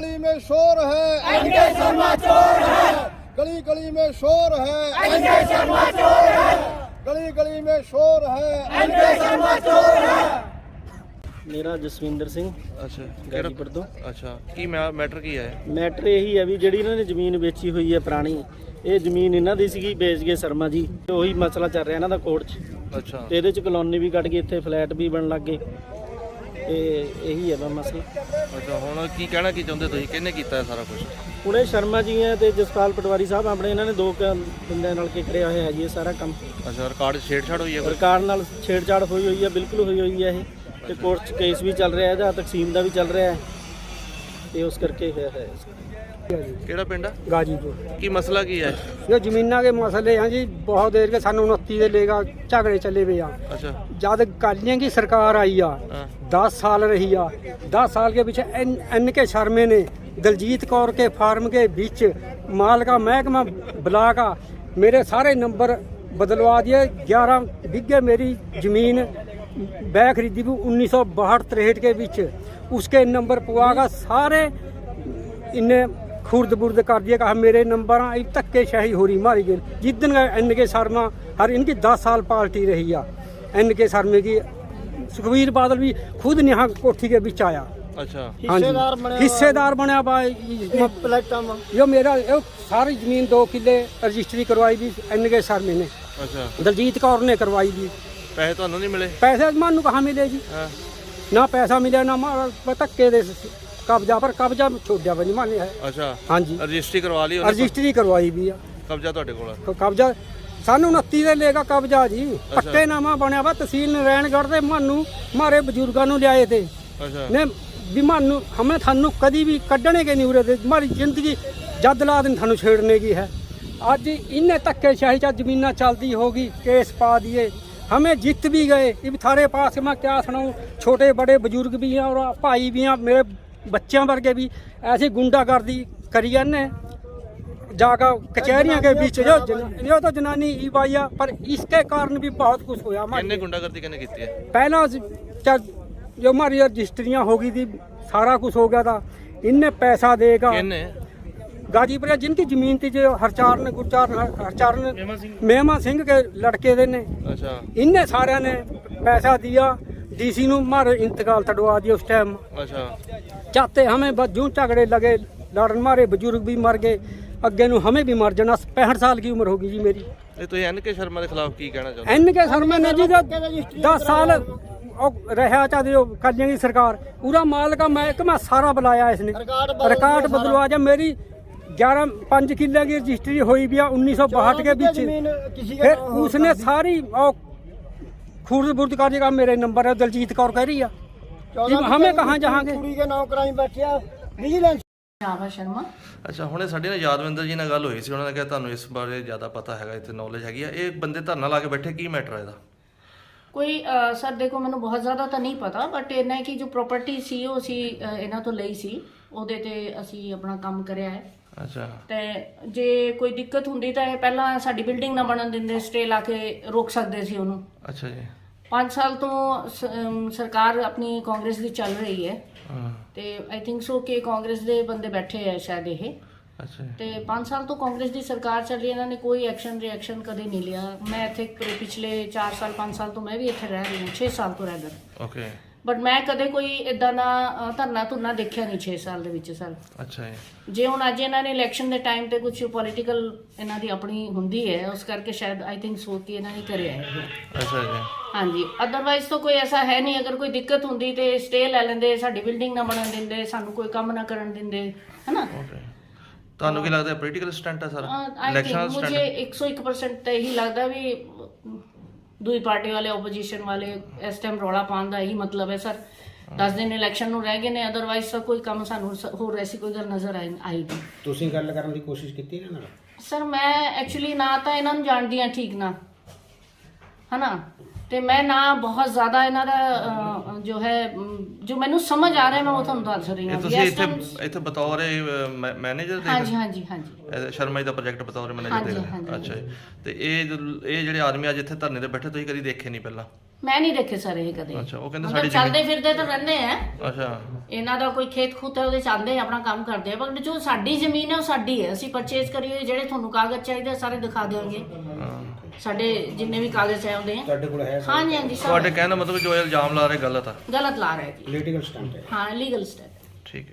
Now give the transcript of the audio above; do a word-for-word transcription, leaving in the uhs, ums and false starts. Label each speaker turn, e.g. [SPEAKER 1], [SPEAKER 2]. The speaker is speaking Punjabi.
[SPEAKER 1] गली में शोर है,
[SPEAKER 2] एनके शर्मा चोर है,
[SPEAKER 1] गली गली में शोर है,
[SPEAKER 2] एनके शर्मा चोर है,
[SPEAKER 1] गली गली में शोर है,
[SPEAKER 2] एनके शर्मा चोर है।
[SPEAKER 3] ਮੇਰਾ ਜਸਵਿੰਦਰ ਸਿੰਘ
[SPEAKER 4] ਅੱਛਾ
[SPEAKER 3] ਗਾਜੀਪੁਰ ਤੋਂ।
[SPEAKER 4] ਅੱਛਾ ਕੀ ਮੈਟਰ ਕੀ ਹੈ?
[SPEAKER 3] ਮੈਟਰ ਇਹੀ ਹੈ ਵੀ ਜਿਹੜੀ ਇਹਨਾਂ ਨੇ ਜ਼ਮੀਨ ਵੇਚੀ ਹੋਈ ਹੈ ਪੁਰਾਣੀ, ਇਹ ਜ਼ਮੀਨ ਇਹਨਾਂ ਦੀ ਸੀਗੀ, ਵੇਚ ਗਏ ਸ਼ਰਮਾ ਜੀ। ਉਹੀ ਮਸਲਾ ਚੱਲ ਰਿਹਾ ਇਹਨਾਂ ਦਾ ਕੋਰਟ 'ਚ।
[SPEAKER 4] ਅੱਛਾ
[SPEAKER 3] ਤੇ ਇਹਦੇ 'ਚ ਕਲੋਨੀ ਵੀ ਕੱਢ ਗਈ, ਇੱਥੇ ਫਲੈਟ ਵੀ ਬਣਨ ਲੱਗ ਗਏ, ਤੇ ਇਹੀ ਹੈ ਬਸ ਮਸਲਾ।
[SPEAKER 4] ਅੱਛਾ ਹੁਣ ਕੀ ਕਹਿਣਾ ਕੀ ਚਾਹੁੰਦੇ ਤੁਸੀਂ? ਕਿਹਨੇ ਕੀਤਾ ਇਹ ਸਾਰਾ ਕੁਝ?
[SPEAKER 3] ਹੁਣ ਇਹ ਸ਼ਰਮਾ ਜੀ ਹੈ ਤੇ ਜਸਪਾਲ ਪਟਵਾਰੀ ਸਾਹਿਬ ਆਪਣੇ, ਇਹਨਾਂ ਨੇ ਦੋ ਕੁ ਬੰਦਿਆਂ ਨਾਲ ਕੇ ਕਰਿਆ ਹੋਇਆ ਜੀ ਇਹ ਸਾਰਾ ਕੰਮ।
[SPEAKER 4] ਅੱਛਾ ਰਿਕਾਰਡ ਛੇੜਛਾੜ ਹੋਈ ਹੈ ਕੋਈ?
[SPEAKER 3] ਸਰਕਾਰ ਨਾਲ ਛੇੜਛਾੜ ਹੋਈ ਹੋਈ ਹੈ, ਬਿਲਕੁਲ ਹੋਈ ਹੋਈ ਹੈ ਇਹ। ਤੇ ਕੋਰਟ 'ਚ ਕੇਸ ਵੀ ਚੱਲ ਰਿਹਾ, ਇਹਦਾ ਤਕਸੀਮ ਦਾ ਵੀ ਚੱਲ ਰਿਹਾ ਹੈ, ਤੇ ਉਸ ਕਰਕੇ ਹੋਇਆ ਹੈ।
[SPEAKER 4] ਕਿਹੜਾ ਪਿੰਡ ਆ?
[SPEAKER 5] गाजीपुर।
[SPEAKER 4] ਕੀ ਮਸਲਾ ਕੀ ਹੈ?
[SPEAKER 5] ये जमीना के मसले हैं जी, बहुत देर के सन उनती दे लेगा झगड़े चले पे आ।
[SPEAKER 4] ਅੱਛਾ
[SPEAKER 5] जब कालियां की सरकार आई आ,
[SPEAKER 4] ਹਾਂ
[SPEAKER 5] दस साल रही आ, दस साल के पीछे एन, एन के शर्मे ने दलजीत कौर के फार्म के बीच माल का महकमा बुला का मेरे सारे नंबर बदलवा दिए। ग्यारह बीघे मेरी जमीन बै खरीदी भी उन्नीस सौ बाहठ तिरहठ के बीच, उसके नंबर पुआ का सारे इन्हें खुर्द बुर्द कर दिया। कहा मेरे नंबर धक्के शाही हो रही मारी गई। जिस एन के शर्मा हर इनकी दस साल पार्टी रही है एन के शर्मे की। सुखबीर बादल भी खुद यहाँ कोठी के बीच आया।
[SPEAKER 4] ਅੱਛਾ
[SPEAKER 5] हाँ जी, हिस्सेदार बनया बा। यो मेरा यो सारी जमीन दो किले रजिस्ट्री करवाई भी एन के शर्मे ने,
[SPEAKER 4] ਅੱਛਾ
[SPEAKER 5] दलजीत कौर ने करवाई भी।
[SPEAKER 4] ਪੈਸੇ ਤੁਹਾਨੂੰ ਨਹੀਂ ਮਿਲੇ?
[SPEAKER 5] पैसे मानू कहाँ मिले जी?
[SPEAKER 4] ਹਾਂ
[SPEAKER 5] ना पैसा मिले ना मार धक्के दे कब्जा पर कब्जा छोड़ा भी नहीं माने है।
[SPEAKER 4] ਅੱਛਾ
[SPEAKER 5] हाँ जी,
[SPEAKER 4] ਰਜਿਸਟਰੀ ਕਰਵਾ ਲਈ ਉਹਨੇ?
[SPEAKER 5] रजिस्ट्री करवाई भी है।
[SPEAKER 4] ਕਬਜ਼ਾ ਤੁਹਾਡੇ ਕੋਲ?
[SPEAKER 5] तो कब्जा सानू उनती दे लेगा कब्जा जी। पट्टे नामा बनया वा तहसील नारायणगढ़ दे। मानू मारे बजुर्गों नू लियाए थे
[SPEAKER 4] ਅੱਛਾ
[SPEAKER 5] ने भी मानू हमें थानू कदी भी कड्ढने के नहीं उरे थे। हमारी जिंदगी जद ला दिन थानू छेड़ने की है। अज इन्हें धक्के शाही चा जमीना चलती होगी, केस पा दिए, हमें जीत भी गए। इब थारे पास मैं क्या सुनाऊँ, छोटे बड़े बुजुर्ग भी हैं और भाई भी हैं, मेरे बच्चों वर्गे भी ऐसी गुंडागर्दी करी ने जाकर कचहरियों के बीच। जो जन, यो तो जनानी ई बाइया, पर इसके कारण भी बहुत कुछ हुआ।
[SPEAKER 4] ਕਿੰਨੇ ਗੁੰਡਾਗਰਦੀ ਕਿਹਨੇ ਕੀਤੀ ਹੈ?
[SPEAKER 5] पहला च- जो हमारी रजिस्ट्रियाँ हो गई थी, सारा कुछ हो गया था। इनने पैसा देगा
[SPEAKER 4] ਕਿਹਨੇ?
[SPEAKER 5] गाजीपुर जिनकी जमीन थी, जो हरचार ने गुरचार हरचार ने मेहमा सिंह के लड़के दे ने,
[SPEAKER 4] ਅੱਛਾ
[SPEAKER 5] इनने सारे ने पैसा दिया। डीसी नू मारे इंतकाल तड़वा दिया उस टाइम।
[SPEAKER 4] ਅੱਛਾ
[SPEAKER 5] चाहते हमें बस जूं झगड़े लगे लड़न, मारे बुजुर्ग भी मर गए, अगे नू हमें भी मर जाना। पैंसठ साल की उम्र होगी जी मेरी।
[SPEAKER 4] ਇਹ ਤੁਸੀਂ ਐਨ ਕੇ ਸ਼ਰਮਾ ਦੇ ਖਿਲਾਫ ਕੀ ਕਹਿਣਾ ਚਾਹੁੰਦੇ?
[SPEAKER 5] एन के शर्मा ने जी दस साल रहा चाहते जो कालियां की सरकार, पूरा माल का महकमा सारा बुलाया इसने, रिकॉर्ड बदलवा जा। मेरी ग्यारह पाँच किले की रजिस्ट्री हुई भी उन्नीस सौ बाहठ के बीच। फिर उसने सारी खुर्द बुर्द कर दिया। मेरे नंबर है, दलजीत कौर कह रही है, हमें कहाँ जाएंगे।
[SPEAKER 6] ਸ਼ਾਬਾ ਸ਼ਰਮਾ।
[SPEAKER 4] ਅੱਛਾ ਹੁਣੇ ਸਾਡੇ ਨਾਲ ਯਾਦਵਿੰਦਰ ਜੀ ਨਾਲ ਗੱਲ ਹੋਈ ਸੀ, ਉਹਨਾਂ ਨੇ ਕਿਹਾ ਤੁਹਾਨੂੰ ਇਸ ਬਾਰੇ ਜ਼ਿਆਦਾ ਪਤਾ ਹੈਗਾ, ਇੱਥੇ ਨੌਲੇਜ ਹੈਗੀ ਆ। ਇਹ ਬੰਦੇ ਧਰਨਾ ਲਾ ਕੇ ਬੈਠੇ, ਕੀ ਮੈਟਰ ਹੈ ਇਹਦਾ?
[SPEAKER 6] ਕੋਈ ਅ, ਸਰ ਦੇਖੋ ਮੈਨੂੰ ਬਹੁਤ ਜ਼ਿਆਦਾ ਤਾਂ ਨਹੀਂ ਪਤਾ, ਬਟ ਇਹਨਾਂ ਕਿ ਜੋ ਪ੍ਰਾਪਰਟੀ ਸੀ ਉਹ ਅਸੀਂ ਅ, ਇਹਨਾਂ ਤੋਂ ਲਈ ਸੀ, ਉਹਦੇ ਤੇ ਅਸੀਂ ਆਪਣਾ ਕੰਮ ਕਰਿਆ ਹੈ।
[SPEAKER 4] ਅੱਛਾ
[SPEAKER 6] ਤੇ ਜੇ ਕੋਈ ਦਿੱਕਤ ਹੁੰਦੀ ਤਾਂ ਇਹ ਪਹਿਲਾਂ ਸਾਡੀ ਬਿਲਡਿੰਗ ਨਾ ਬਣਨ ਦਿੰਦੇ, ਸਟੇ ਲਾ ਕੇ ਰੋਕ ਸਕਦੇ ਸੀ ਉਹਨੂੰ।
[SPEAKER 4] ਅੱਛਾ ਜੀ
[SPEAKER 6] ਪੰਜ ਸਾਲ ਤੋਂ ਸ- ਅਮ, ਸਰਕਾਰ ਆਪਣੀ ਕਾਂਗਰਸ ਦੀ ਚੱਲ ਰਹੀ ਹੈ,
[SPEAKER 4] ਹਾਂ
[SPEAKER 6] ਤੇ ਆਈ ਥਿੰਕ ਸੋ ਕਿ ਕਾਂਗਰਸ ਦੇ ਬੰਦੇ ਬੈਠੇ ਆ ਸ਼ਾਇਦ ਇਹ।
[SPEAKER 4] ਅੱਛਾ ਜੀ
[SPEAKER 6] ਤੇ ਪੰਜ ਸਾਲ ਤੋਂ ਕਾਂਗਰਸ ਦੀ ਸਰਕਾਰ ਚੱਲ ਰਹੀ ਹੈ, ਇਹਨਾਂ ਨੇ ਕੋਈ ਐਕਸ਼ਨ ਰਿਐਕਸ਼ਨ ਕਦੇ ਨਹੀਂ ਲਿਆ। ਮੈਂ ਇੱਥੇ ਪ- ਪਿਛਲੇ ਚਾਰ ਸਾਲ ਪੰਜ ਸਾਲ ਤੋਂ ਮੈਂ ਵੀ ਇੱਥੇ ਰਹਿ ਰਹੀ ਹਾਂ, ਛੇ ਸਾਲ ਤੋਂ ਰਹਿ ਰਹੀ,
[SPEAKER 4] ਓਕੇ
[SPEAKER 6] ਬਟ ਮੈਂ ਕਦੇ ਕੋਈ ਇਦਾਂ ਦਾ ਅ, ਧਰਨਾ ਧੁਰਨਾ ਦੇਖਿਆ ਨਹੀਂ ਛੇ ਸਾਲ ਦੇ ਵਿੱਚ ਸਰ।
[SPEAKER 4] ਅੱਛਾ ਜੀ
[SPEAKER 6] ਜੇ ਹੁਣ ਅੱਜ ਇਹਨਾਂ ਨੇ ਇਲੈਕਸ਼ਨ ਦੇ ਟਾਈਮ ਤੇ ਕੁਝ ਪੋਲੀਟੀਕਲ ਇਹਨਾਂ ਦੀ ਆਪਣੀ ਹੁੰਦੀ ਹੈ, ਉਸ ਕਰਕੇ ਸ਼ਾਇਦ ਆਈ ਥਿੰਕ ਸੋ ਕਿ ਇਹਨਾਂ ਨੇ ਕਰਿਆ ਹੈ।
[SPEAKER 4] ਅੱਛਾ ਜੀ
[SPEAKER 6] ਹਾਂਜੀ, ਅਦਰਵਾਈਜ਼ ਤਾਂ ਕੋਈ ਐਸਾ ਹੈ ਨਹੀਂ। ਅਗਰ ਕੋਈ ਦਿੱਕਤ ਹੁੰਦੀ ਤੇ ਸਟੇ ਲੈ ਲੈਂਦੇ, ਸਾਡੀ ਬਿਲਡਿੰਗ ਨਾ ਬਣਨ ਦਿੰਦੇ, ਸਾਨੂੰ ਕੋਈ ਕੰਮ ਨਾ ਕਰਨ ਦਿੰਦੇ, ਹੈਨਾ।
[SPEAKER 4] ਓਕੇ ਤੁਹਾਨੂੰ ਕੀ ਲੱਗਦਾ ਪੋਲੀਟੀਕਲ ਸਟੰਟ ਹੈ ਸਾਰਾ?
[SPEAKER 6] ਆਈ
[SPEAKER 4] ਇਲੈਕਸ਼ਨ
[SPEAKER 6] ਥਿੰਕ ਮੁਝੇ ਇੱਕ ਸੌ ਇੱਕ ਪਰਸੈਂਟ ਤਾਂ ਇਹੀ ਲੱਗਦਾ ਵੀ ਦੂਜੀ ਪਾਰਟੀ ਵਾਲੇ ਆਪੋਜੀਸ਼ਨ ਵਾਲੇ ਇਸ ਟਾਈਮ ਰੌਲਾ ਪਾਉਣ ਦਾ ਇਹੀ ਮਤਲਬ ਹੈ ਸਰ। ਦਸ ਦਿਨ ਇਲੈਕਸ਼ਨ ਨੂੰ ਰਹਿ ਗਏ ਨੇ, ਅਦਰਵਾਈਜ਼ ਤਾਂ ਕੋਈ ਕੰਮ ਸਾਨੂੰ ਸ- ਹੋਰ ਐਸੀ ਕੋਈ ਗੱਲ ਨਜ਼ਰ ਆਈ ਆਈ ਨਹੀਂ।
[SPEAKER 7] ਤੁਸੀਂ ਗੱਲ ਕਰਨ ਦੀ ਕੋਸ਼ਿਸ਼ ਕੀਤੀ ਇਹਨਾਂ ਨਾਲ?
[SPEAKER 6] ਸਰ ਮੈਂ ਐਕਚੁਅਲੀ ਨਾ ਤਾਂ ਇਹਨਾਂ ਨੂੰ ਜਾਣਦੀ ਹਾਂ ਠੀਕ ਨਾ, ਹਨਾ, ਤੇ ਮੈਂ ਨਾ ਬਹੁਤ ਜ਼ਿਆਦਾ ਇਹਨਾਂ ਦਾ ਅਹ, ਜੋ ਹੈ ਅਮ, ਜੋ ਮੈਨੂੰ ਸਮਝ ਆ ਰਿਹਾ ਮੈਂ ਉਹ ਤੁਹਾਨੂੰ ਦੱਸ ਰਹੀ
[SPEAKER 4] ਇਹ
[SPEAKER 6] ਹਾਂ
[SPEAKER 4] ਤੁਸੀਂ
[SPEAKER 6] ਵੀ ਇਸ
[SPEAKER 4] ਇੱਥੇ
[SPEAKER 6] time-
[SPEAKER 4] ਇੱਥੇ ਬਤੌਰ ਮੈਨੇਜਰ ਦੇ
[SPEAKER 6] ਹਾਂਜੀ ਹਾਂਜੀ ਹਾਂਜੀ
[SPEAKER 4] ਇਹ ਸ਼ਰਮਾ ਜੀ ਦਾ ਪ੍ਰੋਜੈਕਟ ਬਤੌਰ ਮੈਨੇਜਰ
[SPEAKER 6] ਹਾਂਜੀ,
[SPEAKER 4] ਦੇ ਰਹੇ?
[SPEAKER 6] ਹਾਂਜੀ।
[SPEAKER 4] ਅੱਛਾ ਜੀ। ਤੇ ਇਹ ਜੋ- ਇਹ ਜਿਹੜੇ ਆਦਮੀ ਅੱਜ ਇੱਥੇ ਧਰਨੇ ਤੇ ਬੈਠੇ ਤੁਸੀਂ ਕਦੀ ਦੇਖੇ ਨਹੀਂ ਪਹਿਲਾਂ?
[SPEAKER 6] ਮੈਂ ਨਹੀਂ ਦੇਖੇ ਸਰ ਇਹ ਕਦੇ
[SPEAKER 4] ਅੱਛਾ, ਉਹ ਕਹਿੰਦੇ
[SPEAKER 6] ਮਤਲਬ
[SPEAKER 4] ਸਾਡੀ
[SPEAKER 6] ਚੱਲਦੇ ਫਿਰਦੇ ਤਾਂ ਰਹਿੰਦੇ ਆ
[SPEAKER 4] ਅੱਛਾ
[SPEAKER 6] ਇਹਨਾਂ ਦਾ ਕੋਈ ਖੇਤ ਖੂਤ ਹੈ ਉਹਦੇ ਚਾਹੁੰਦੇ ਆਪਣਾ ਕੰਮ ਕਰਦੇ ਆ, ਪਰ ਜੋ ਸਾਡੀ ਜ਼ਮੀਨ ਹੈ ਉਹ ਸਾਡੀ ਹੈ, ਅਸੀਂ ਪਰਚੇਜ਼ ਕਰੀ ਹੋਈ, ਜਿਹੜੇ ਤੁਹਾਨੂੰ ਕਾਗਜ਼ ਚਾਹੀਦੇ ਸਾਰੇ ਦਿਖਾ ਦਿਆਂਗੇ, ਸਾਡੇ ਜਿੰਨੇ ਵੀ ਕਾਗਜ਼ ਚਾਹੁੰਦੇ ਆ।
[SPEAKER 7] ਤੁਹਾਡੇ ਕੋਲ ਹੈ
[SPEAKER 6] ਹਾਂਜੀ ਹਾਂਜੀ ਸਰ
[SPEAKER 4] ਤੁਹਾਡੇ ਕਹਿਣ ਦਾ ਮਤਲਬ ਜੋ ਇਹ ਇਲਜ਼ਾਮ ਲਾ ਰਹੇ ਗਲਤ ਆ?
[SPEAKER 6] ਗਲਤ ਲਾ ਰਿਹਾ ਜੀ,
[SPEAKER 7] ਪੋਲੀਟੀਕਲ ਸਟੰਟ ਹੈ।
[SPEAKER 6] ਹਾਂ ਲੀਗਲ ਸਟੈਪ।
[SPEAKER 4] ਠੀਕ ਹੈ।